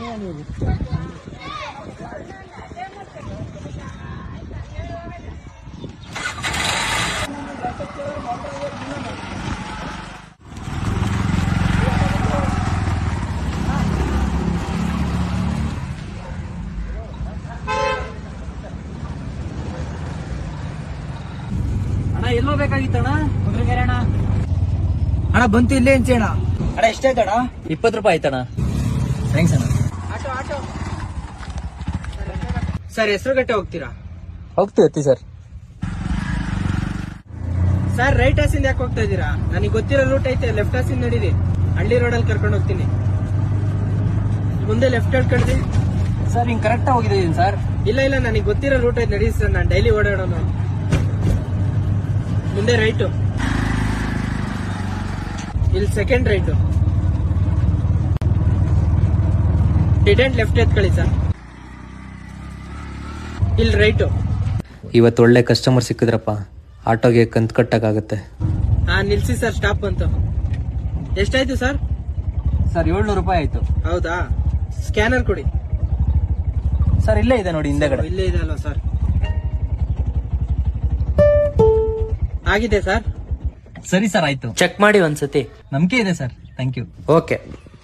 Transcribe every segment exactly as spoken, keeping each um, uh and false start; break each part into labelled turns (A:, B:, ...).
A: ಎಲ್ಲೋ ಬೇಕಾಗಿತ್ತಣ್ಣ ಕುದುರೆಗೆರೆ ಅಣ್ಣ.
B: ಅಣ್ಣ ಬಂತು ಇಲ್ಲೇ ಅಂಚೇಣ.
A: ಅಣ್ಣ ಎಷ್ಟಾಯ್ತಣ್ಣ?
B: ಇಪ್ಪತ್ತು ರೂಪಾಯಿ ಆಯ್ತಣ್ಣ. ಥ್ಯಾಂಕ್ಸ್ ಅಣ್ಣ.
A: ಸರ್ ಹೆಸರುಗಟ್ಟೆ ಹೋಗ್ತೀರಾ?
B: ಹೋಗ್ತೀವಿ ಸರ್.
A: ಸರ್ ರೈಟ್ ಹಾಸಿಂದ ಯಾಕೆ ಹೋಗ್ತಾ ಇದ್ದೀರಾ? ನನಗೆ ಗೊತ್ತಿರೋ ರೂಟ್ ಐತೆ, ಲೆಫ್ಟ್ ಹಾಸಿಂದ ನಡೀರಿ. ಹಳ್ಳಿ ರೋಡಲ್ಲಿ ಕರ್ಕೊಂಡು ಹೋಗ್ತೀನಿ. ಮುಂದೆ ಲೆಫ್ಟ್ ಹೇಳ್ಕೊಂಡ್ರಿ
B: ಸರ್. ಹಿಂಗ್ ಕರೆಕ್ಟ್ ಹೋಗಿದ್ದೀನಿ ಸರ್.
A: ಇಲ್ಲ ಇಲ್ಲ ನನಗೆ ಗೊತ್ತಿರೋ ರೂಟ್ ಐತೆ, ನಡೀರಿ ಸರ್. ನಾನು ಡೈಲಿ ಓಡಾಡೋನು. ಮುಂದೆ ರೈಟು, ಇಲ್ಲಿ ಸೆಕೆಂಡ್ ರೈಟು, ಡಿಡೆಂಟ್ ಲೆಫ್ಟ್ ಎತ್ಕೊಳ್ಳಿ ಸರ್. ಇಲ್ಲಿ ರೈಟು.
B: ಇವತ್ತು ಒಳ್ಳೆ ಕಸ್ಟಮರ್ ಸಿಕ್ಕಿದ್ರಪ್ಪ. ಆಟೋಗೆ ಕಂತ್ ಕಟ್ಟಕ್ಕಾಗತ್ತೆ.
A: ಹಾ ನಿಲ್ಸಿ ಸರ್, ಸ್ಟಾಪ್ ಅಂತ. ಎಷ್ಟಾಯ್ತು ಸರ್?
B: ಸರ್ ಏಳ್ನೂರು ರೂಪಾಯಿ ಆಯ್ತು.
A: ಹೌದಾ? ಸ್ಕ್ಯಾನರ್ ಕೊಡಿ
B: ಸರ್. ಇಲ್ಲೇ ಇದೆ ನೋಡಿ ಹಿಂದೆಗಡೆ.
A: ಇಲ್ಲೇ ಇದೆ ಅಲ್ವಾ ಸರ್? ಆಗಿದೆ ಸರ್.
B: ಸರಿ ಸರ್, ಆಯ್ತು.
C: ಚೆಕ್ ಮಾಡಿ ಒಂದ್ಸತಿ.
B: ನಂಬಿಕೆ ಇದೆ ಸರ್. Thank you.
C: ಓಕೆ.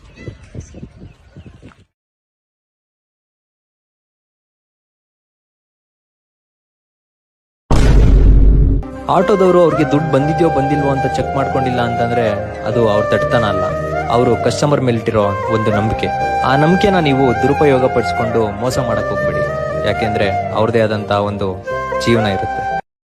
B: ಆಟೋದವರು ಅವ್ರಿಗೆ ದುಡ್ಡು ಬಂದಿದ್ಯೋ ಬಂದಿಲ್ವೋ ಅಂತ ಚೆಕ್ ಮಾಡ್ಕೊಂಡಿಲ್ಲ ಅಂತಂದ್ರೆ ಅದು ಅವ್ರ ತಡ್ತನ ಅಲ್ಲ, ಅವರು ಕಸ್ಟಮರ್ ಮೇಲಿಟ್ಟಿರೋ ಒಂದು ನಂಬಿಕೆ. ಆ ನಂಬಿಕೆನ ನೀವು ದುರುಪಯೋಗ ಪಡಿಸ್ಕೊಂಡು ಮೋಸ ಮಾಡಕ್ ಹೋಗ್ಬೇಡಿ. ಯಾಕೆಂದ್ರೆ ಅವ್ರದೇ ಆದಂತಹ ಒಂದು ಜೀವನ ಇರುತ್ತೆ.